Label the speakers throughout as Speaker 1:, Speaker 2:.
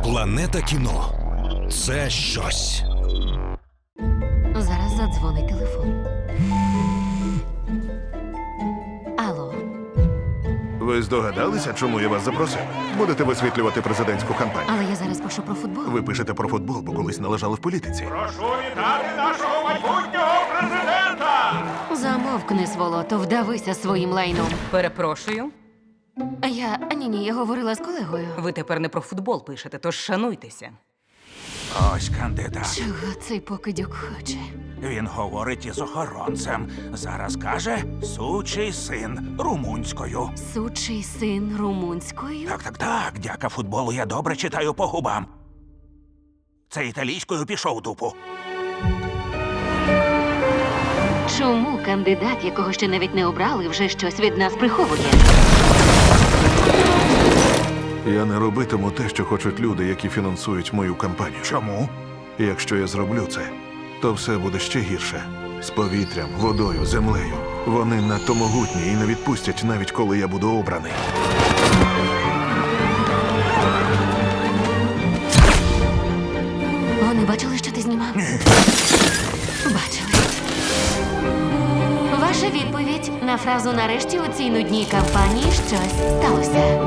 Speaker 1: Планета кіно – це щось.
Speaker 2: Зараз задзвонить телефон. Алло,
Speaker 3: Ви здогадалися, чому я вас запросив? Будете висвітлювати президентську кампанію.
Speaker 2: але я зараз пишу про футбол.
Speaker 3: Ви пишете про футбол, бо колись належали в політиці.
Speaker 4: Прошу вітати нашого майбутнього президента!
Speaker 2: Замовкни, сволото, вдавися своїм лайном.
Speaker 5: Перепрошую,
Speaker 2: Я говорила з колегою.
Speaker 5: ви тепер не про футбол пишете, тож шануйтеся.
Speaker 6: Ось кандидат.
Speaker 2: Чого цей покидьок хоче?
Speaker 6: Він говорить із охоронцем. Зараз каже «сучий син» румунською.
Speaker 2: Сучий син румунською?
Speaker 6: Так, дяка футболу я добре читаю по губам. Це італійською пішов дупу.
Speaker 2: Чому кандидат, якого ще навіть не обрали, вже щось від нас приховує?
Speaker 3: Я не робитиму те, що хочуть люди, які фінансують мою кампанію.
Speaker 6: Чому?
Speaker 3: І якщо я зроблю це, то все буде ще гірше. З повітрям, водою, землею. Вони надто могутні і не відпустять, навіть коли я буду обраний.
Speaker 2: Вони бачили, що ти знімав? Бачили. Ваша відповідь на фразу «нарешті у цій нудній кампанії щось сталося».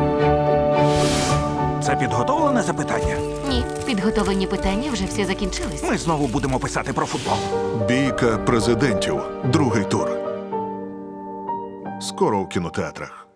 Speaker 6: Це підготовлене запитання?
Speaker 2: Ні, підготовлені питання вже всі закінчились.
Speaker 6: Ми знову будемо писати про футбол.
Speaker 3: Бійка президентів. Другий тур. Скоро у кінотеатрах.